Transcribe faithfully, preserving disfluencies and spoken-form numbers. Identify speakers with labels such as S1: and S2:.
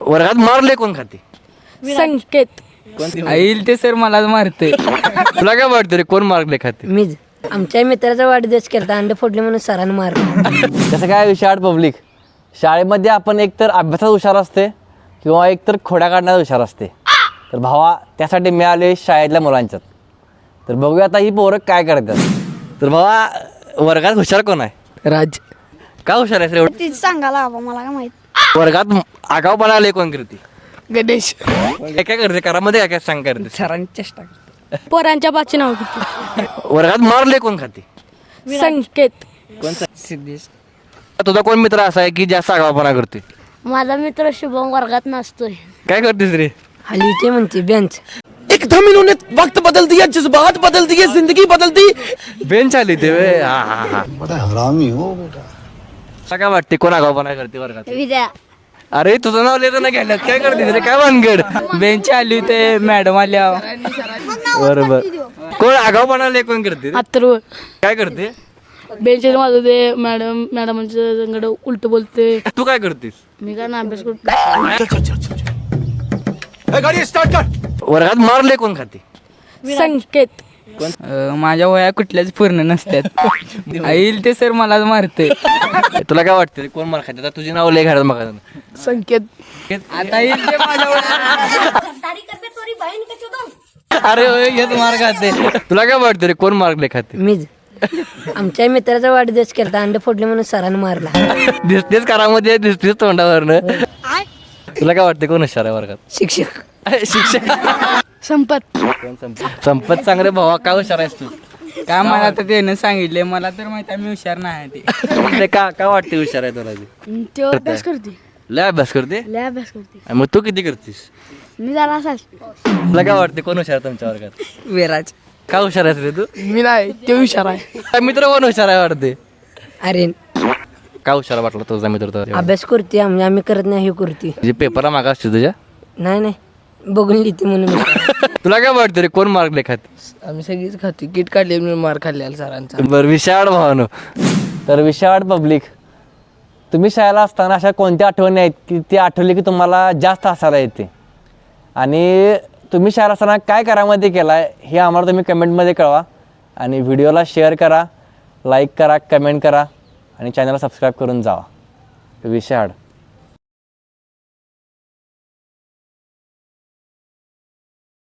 S1: वर्गात मारले कोण खाते?
S2: संकेत.
S3: येईल ते सर मलाच मारते.
S1: तुला काय वाटतं रे कोण मारले खाते?
S4: मीच. आमच्या मित्राचा वाढदिवस केला, अंडे फोडले म्हणून सरांनी मारलं.
S1: कसं काय विशाळ पब्लिक, शाळेमध्ये आपण एकतर अभ्यासात हुशार असते किंवा एकतर खोड्या काढण्यात हुशार असते. तर भावा त्यासाठी मिळाले शाळेतल्या मुलांच्यात. तर बघूया आता ही पोरं काय करतात. तर भावा वर्गात हुशार कोण आहे?
S3: राज.
S1: का हुशार आहे रे?
S2: तीच सांगायला हवं, मला काय माहित.
S1: वर्गात आगाऊपणा आले कोण करते?
S3: गणेश.
S1: काय काय करते घरामध्ये? काय काय सांग करते?
S3: सरांची चेष्टा.
S2: पोरांच्या बाची नाव किती?
S1: वर्गात मारले कोण खाते?
S2: संकेत.
S3: सिद्धेश.
S1: तुझा कोण मित्र असा आहे की जास्त आगाऊपणा करते?
S2: माझा मित्र शुभम वर्गात नसतोय.
S1: काय करतेस रे?
S4: हलीचे म्हणते बेंच.
S5: एकदम इन्होंने वक्त बदल दिया, जज्बात बदल दिए, जिंदगी बदल दी.
S1: बेंच आली ते वे. हा हा हा.
S6: बड़ा हरामी हो बेटा.
S1: तुला काय वाटते कोण आगाऊपणा करते वर्गात?
S2: विद्या.
S1: अरे तुझं नाव लिहिलं ना घ्यायला काय करतेस रे? काय भानगड?
S3: बेंच आली होते मॅडम आल्या.
S1: बरोबर. कोण आगाऊपणा आले कोण करते?
S2: अथर्व.
S1: काय करते?
S2: बेंचेस माझं ते मॅडम मॅडमांच्या संगड उलट बोलते.
S1: तू काय करतेस?
S2: मी काय ना अभ्यास करतो.
S5: गाड़ी स्टार्ट कर.
S1: वर्गात मारले कोण खाते?
S2: संकेत.
S3: अं, माझ्या वया कुठल्याच पूर्ण नसतात. येईल ते सर मलाच मारते.
S1: तुला काय वाटतं रे कोण मार खाते? आता तुझी नाव लय घरात मग
S3: संकेत. आता येईल ते माझ्या
S1: अरे होय, हेच मार खाते. तुला काय वाटतं रे कोण मारले खाते?
S4: मीच. आमच्या मित्राचा वाढदिवस केला, अंडे फोडले म्हणून सरांनी मारला.
S1: दिसतेच कारामध्ये, दिसतेच तोंडावरनं. तुला काय वाटतं कोण हुशार आहे वर्गात?
S4: शिक्षक.
S1: शिक्षक.
S2: संपत.
S1: संपत चांगले भावा काय हुशार आहेस तू?
S3: काय मला तर त्यानं सांगितले, मला तर माहिती आहे मी हुशार नाही ते.
S1: ते का काय वाटते हुशार आहे तुला ते?
S2: ते अभ्यास करते.
S1: लय अभ्यास करते?
S2: लय अभ्यास करते.
S1: आणि मग तू किती करतेस?
S2: मी जरा असाच.
S1: तुला काय वाटते कोण हुशार आहे तुमच्या वर्गात?
S3: विराज.
S1: का हुशार आहेस रे तू?
S3: मी नाही ते हुशार आहे.
S1: काय मित्र कोण हुशार आहे वाटते?
S4: अरे
S1: का हुशार वाटला तुझा मित्र तुला?
S4: अभ्यास करते आम्ही आम्ही करत नाही, हे करते.
S1: जे पेपरला मागा असते तुझ्या?
S4: नाही नाही बघून लिहिते म्हणून.
S1: तुला काय वाटतं रे कोण मार्क खाते?
S3: आम्ही सगळीच खातो. किट काढले मी मार खाल्लेला सरांचा.
S1: बरं विशाळ भावानो. तर विशाळ पब्लिक, तुम्ही शाळेला असताना अशा कोणत्या आठवणी आहेत की ती आठवली की तुम्हाला जास्त हसायला येते? आणि तुम्ही शाळेला असताना काय करामध्ये केला आहे हे आम्हाला तुम्ही कमेंटमध्ये कळवा. आणि व्हिडिओला शेअर करा, लाईक करा, कमेंट करा आणि चॅनलला सबस्क्राईब करून जावा. विशाळ.